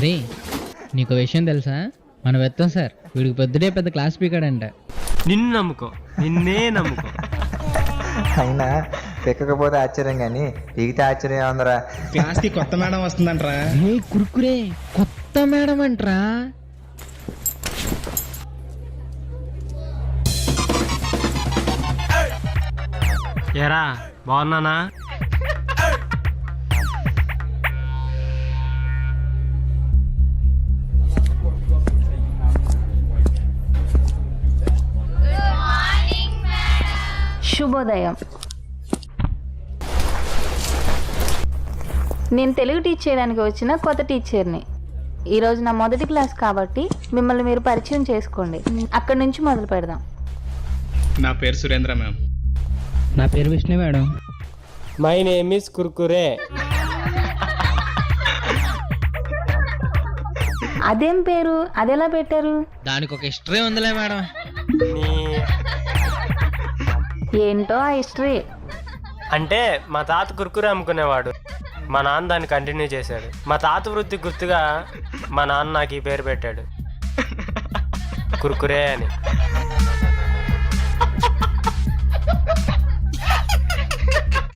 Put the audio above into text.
అరే నీకు విషయం తెలుసా, మన వెత్తం సార్ వీడికి పొద్దుడే పెద్ద క్లాస్ పీకాడంట. నిన్ను నమ్ముకో, నిన్నే నమ్ముకో. అయినా పెక్కకపోతే ఆశ్చర్యం కానీ పీకితే ఆశ్చర్యం ఉందరా. క్లాస్కి కొత్త మేడం వస్తుందంటరా. ఏ కురుకురే కొత్త మేడం అంట్రా. ఏరా బాగున్నానా? శుభోదయం. నేను తెలుగు టీచ్ చేయడానికి వచ్చిన కొత్త టీచర్ని. ఈరోజు నా మొదటి క్లాస్ కాబట్టి మిమ్మల్ని మీరు పరిచయం చేసుకోండి. అక్కడి నుంచి మొదలు పెడదాం. నా పేరు సురేంద్ర మ్యామ్. నా పేరు Vishnu madam. My name is Kurkure. అదేం పేరు, అదెలా పెట్టారు? దానికి ఒక హిస్టరీ ఉందిలే మేడం. ఏంటో ఆ హిస్టరీ. అంటే మా తాత కుర్కురే అమ్ముకునేవాడు, మా నాన్న దాన్ని కంటిన్యూ చేశాడు. మా తాత వృత్తి గుర్తుగా మా నాన్న నాకు ఈ పేరు పెట్టాడు, కుర్కురే అని.